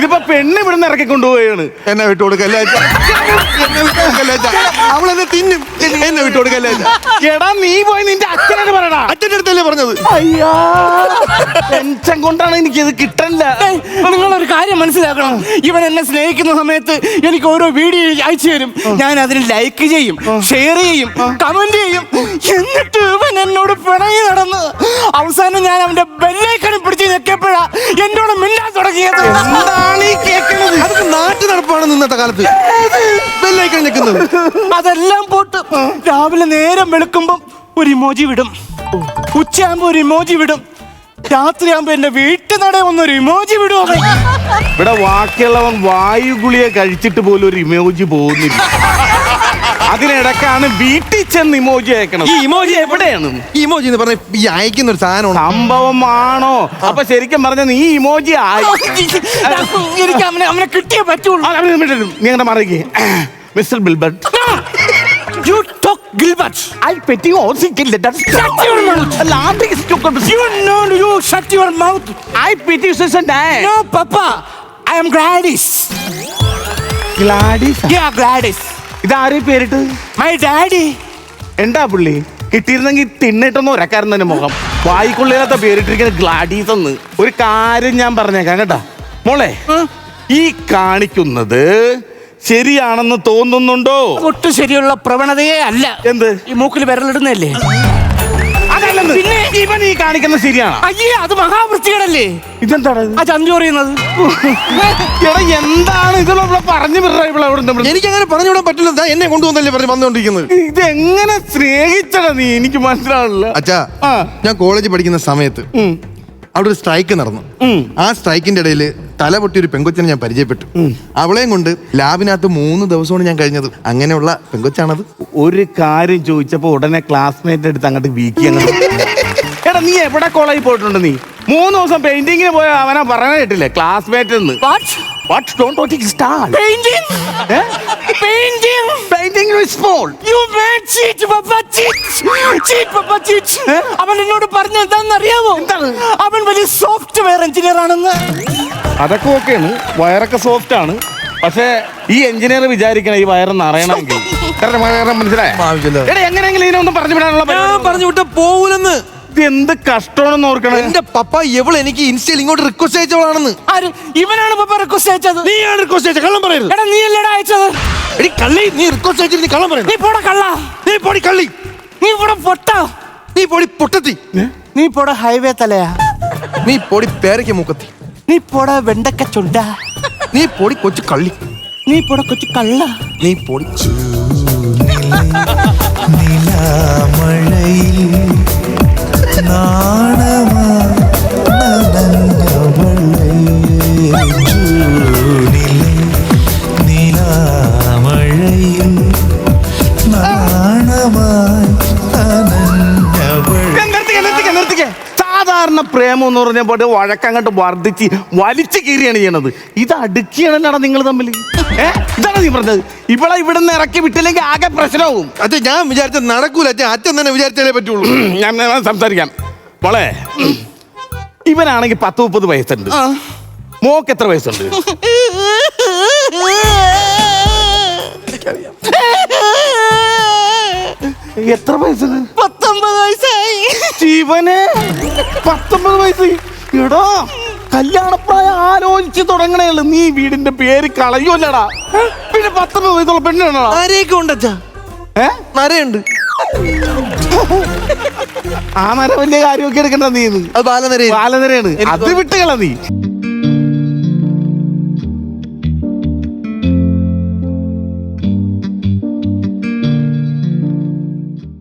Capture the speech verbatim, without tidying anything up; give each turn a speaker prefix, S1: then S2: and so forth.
S1: ഇതിപ്പോ പെണ്ണ് ഇവിടുന്ന് ഇറക്കി കൊണ്ടുപോവുകയാണ്.
S2: എന്നെ വിട്ടു കൊടുക്കല്ലേ എന്നെ വിട്ടു കൊടുക്കല്ലേ അവളെന്നെ തിന്നും. എന്നെ വിട്ടു കൊടുക്കല്ലേ.
S1: എടാ നീ പോയി നിന്റെ അച്ഛനോട് പറയടാ.
S2: അച്ഛൻ്റെ അടുത്തല്ലേ പറഞ്ഞത്?
S1: അയ്യാ ടെൻഷൻ കൊണ്ടാണ് എനിക്കിത് കിട്ടണില്ല.
S3: നിങ്ങളൊരു കാര്യം മനസ്സിലാക്കണം. ഇവൻ എന്നെ സ്നേഹിക്കുന്ന സമയത്ത് എനിക്ക് ഓരോ വീഡിയോ അയച്ചു തരും. ഞാൻ അതിന് ലൈക്ക് ചെയ്യും, ഷെയർ ചെയ്യും, കമന്റ് ചെയ്യും. എന്നിട്ട് ഇവൻ എന്നോട് പിണങ്ങി നടന്ന് അവസാനം ഞാൻ അവന്റെ ബെല്ലൈക്കൺ പിടിച്ച് ഞെക്കിയപ്പോഴാ എന്നോട് മിണ്ടാൻ തുടങ്ങിയത്.
S1: എന്താണ് ഈ കേൾക്കുന്നത്?
S2: അതൊക്കെ നാട്ടു നടപ്പാണ് ഇന്നത്തെ കാലത്ത്. ബെല്ലൈക്കൺ ഞെക്കുന്നത്.
S3: അതെല്ലാം പോട്ട് രാവിലെ നേരം വെളുക്കുമ്പം ഒരു ഇമോജി വിടും, ഉച്ചയാകുമ്പോ ഒരു ഇമോജി വിടും, രാത്രിയാകുമ്പോ എന്റെ വീട്ടു നട ഒന്നൊരു ഇമോജി വിടും.
S1: ഇവിടെ ബാക്കിയുള്ളവൻ വായു ഗുളിയെ കഴിച്ചിട്ട് പോലും ഒരു ഇമോജി പോകുന്നില്ല. അതിനിടക്കാണ് വീട്ടിൽ ചെന്ന് ഇമോജി അയക്കണം. ഈ ഇമോജി എവിടെയാണ്?
S2: ഈ ഇമോജി എന്ന് പറഞ്ഞ ഈ അയക്കുന്ന ഒരു സാധനമാണ്.
S1: സംഭവമാണോ? അപ്പൊ ശരിക്കും പറഞ്ഞ നീ ഇമോജി ആയി.
S3: എനിക്ക് അവനെ അവനെ കിട്ടിയേ പറ്റുള്ളൂ.
S1: നീ അങ്ങനെ മാറിക്കേ. Mr Gilbert,
S3: You talk Gilbert.
S1: I pity you also Gilbert.
S3: Shut your mouth.
S1: Laughing is too good.
S3: You know, you shut your mouth.
S1: I pity you, sister.
S3: No, Papa. I am Gladys.
S1: Gladys?
S3: Yeah, Gladys.
S1: ഇതാരെ പേരിട്ട്?
S3: My daddy.
S1: എന്താ പുള്ളി കിട്ടിയിരുന്നെങ്കിൽ തിന്നിട്ടൊന്നും ഒരക്കാരൻ മുഖം. വായിക്കൊള്ളില്ലാത്ത പേരിട്ടിരിക്കുന്ന Gladys എന്ന്. ഒരു കാര്യം ഞാൻ പറഞ്ഞേക്കാം കേട്ടാ മോളെ, ഈ കാണിക്കുന്നത് ശരിയാണെന്ന് തോന്നുന്നുണ്ടോ?
S3: ഒട്ടും ശരിയുള്ള പ്രവണതയെ അല്ല.
S1: എന്ത്? ഈ
S3: മൂക്കിൽ വിരലിടുന്നല്ലേ?
S1: അതല്ലെന്ന്. പിന്നെ ഇവൻ ഈ കാണിക്കുന്നത് ശരിയാണ്.
S3: അയ്യേ, അത് മഹാവൃത്തികേടല്ലേ?
S1: ഇതെന്താണ്
S3: ആ ചന്തോറിയുന്നത്?
S1: എടാ എന്താണ് ഇതിലുള്ള പറഞ്ഞു വിട?
S2: എനിക്ക് അങ്ങനെ പറഞ്ഞു വിടാൻ പറ്റില്ല. എന്നെ കൊണ്ടുവന്നല്ലേ പറഞ്ഞു വന്നുകൊണ്ടിരിക്കുന്നത്.
S1: ഇതെങ്ങനെ സ്നേഹിച്ചടാ നീ? എനിക്ക് മനസ്സിലാവില്ല.
S2: അച്ഛാ, ഞാൻ കോളേജിൽ പഠിക്കുന്ന സമയത്ത് അവിടെ ഒരു സ്ട്രൈക്ക് നടന്നു. ആ സ്ട്രൈക്കിന്റെ ഇടയിൽ തല പൊട്ടിയ ഒരു പെങ്കൊച്ചിനെ ഞാൻ പരിചയപ്പെട്ടു. അവളെയും കൊണ്ട് ലാബിനകത്ത് മൂന്ന് ദിവസമാണ് ഞാൻ കഴിഞ്ഞത്. അങ്ങനെയുള്ള പെങ്കൊച്ചാണത്.
S1: ഒരു കാര്യം ചോദിച്ചപ്പോ ഉടനെ ക്ലാസ്മേറ്റ് എടുത്ത് അങ്ങോട്ട് വീക്കി അങ്ങോട്ട്. എടാ നീ എവിടെ കോളേജിൽ പോയിട്ടുണ്ട്? നീ മൂന്ന് ദിവസം പെയിന്റിങ്ങിന് പോയ അവനെ പറയാൻ കേട്ടില്ലേ ക്ലാസ്മേറ്റ് എന്ന്? What don't want to start?
S3: Painting?
S1: Eh?
S3: Painting?
S1: Painting is small.
S3: You mad cheat, Papa, cheat. Cheat, Papa, cheat. അവൻ എന്നോട് പറഞ്ഞ എന്താണെന്ന് അറിയാമോ? അവൻ വലിയ സോഫ്റ്റ്വെയർ എഞ്ചിനീയർ ആണെന്ന്.
S1: അതൊക്കെ ഓക്കെയാണ്, വയറൊക്കെ സോഫ്റ്റ് ആണ്. പക്ഷേ ഈ എഞ്ചിനീയർ വിചാരിക്കണം ഈ വയറൊന്ന് അറിയണമെങ്കിൽ. മനസ്സിലായോ? എടാ എങ്ങനെയെങ്കിലും ഇതിനൊന്നും പറഞ്ഞു വിടാനുള്ള
S2: പറഞ്ഞു വിട്ട പോവൂലെന്ന്.
S1: എന്ത് കഷ്ടമാണെന്ന് ഓർക്കണം.
S2: എന്റെ പപ്പ എവള് എനിക്ക് ഇൻസ്റ്റയിൽ ഇങ്ങോട്ട് റിക്വസ്റ്റ് അയച്ചവളാണെന്ന്.
S3: ആര്? ഇവനാണ് പപ്പ റിക്വസ്റ്റ് അയച്ചത്?
S2: നീയാണ് റിക്വസ്റ്റ് അയച്ചത്. കള്ളം പറയരുത്.
S3: എടാ നീ അല്ലടാ അയച്ചത്.
S2: എടി കള്ളി, നീ റിക്വസ്റ്റ് അയച്ചിട്ട് നീ കള്ളം പറയരുത്.
S3: നീ പോടാ കള്ള.
S2: നീ പോടി കള്ളി.
S3: നീ ഇവിടെ പൊട്ട.
S2: നീ പോടി പൊട്ടത്തി.
S3: നീ പോടാ ഹൈവേ തലയാ.
S2: നീ പോടി പേരയ്ക്ക് മൂക്കത്തി.
S3: നീ പോടാ വെണ്ടക്ക ചുണ്ട.
S2: നീ പോടി കൊച്ചു കള്ളി.
S3: നീ പോടാ കൊച്ചു കള്ള.
S2: നീ പോടി
S1: സാധാരണ പ്രേമം എന്ന് പറഞ്ഞ പോലെ വഴക്കങ്ങോട്ട് വർദ്ധിച്ച് വലിച്ചു കീറിയാണ് ചെയ്യണത്. ഇത് അടുക്കിയാണല്ലാണ് നിങ്ങൾ തമ്മിൽ. ഏഹ് ഇതാണ് നീ പറഞ്ഞത്. ഇവിടെ ഇവിടെ നിന്ന് ഇറക്കി വിട്ടില്ലെങ്കിൽ ആകെ പ്രശ്നമാവും.
S2: അച്ഛൻ ഞാൻ വിചാരിച്ച നടക്കൂല. അച്ഛൻ അച്ഛൻ തന്നെ വിചാരിച്ചാലേ പറ്റുള്ളൂ.
S1: ഞാൻ സംസാരിക്കാം മോളെ. ഇവനാണെങ്കിൽ പത്ത് മുപ്പത് വയസ്സുണ്ട്. മോക്ക് എത്ര വയസ്സുണ്ട്? എത്ര വയസ്സുണ്ട്?
S3: പത്തൊമ്പത് വയസ്സായി.
S1: ജീവന് പത്തൊമ്പത് വയസ്സ്. എടാ കല്യാണപ്രായം ആലോചിച്ച് തുടങ്ങണേയുള്ളൂ. നീ വീടിന്റെ പേര് കളയൂല്ലടാ. പിന്നെ പത്തൊമ്പത് വയസ്സുള്ള പെണ്ണാണോ?
S2: ആരെയൊക്കെ ഉണ്ട് അച്ഛാ?
S1: ഏ
S2: നരയുണ്ട്.
S1: ആ നര വലിയ കാര്യമൊക്കെ എടുക്കണ്ട നീ.
S2: അത് ബാലനര.
S1: ബാലനരയാണ്. അത് വിട്ടുകള നീ.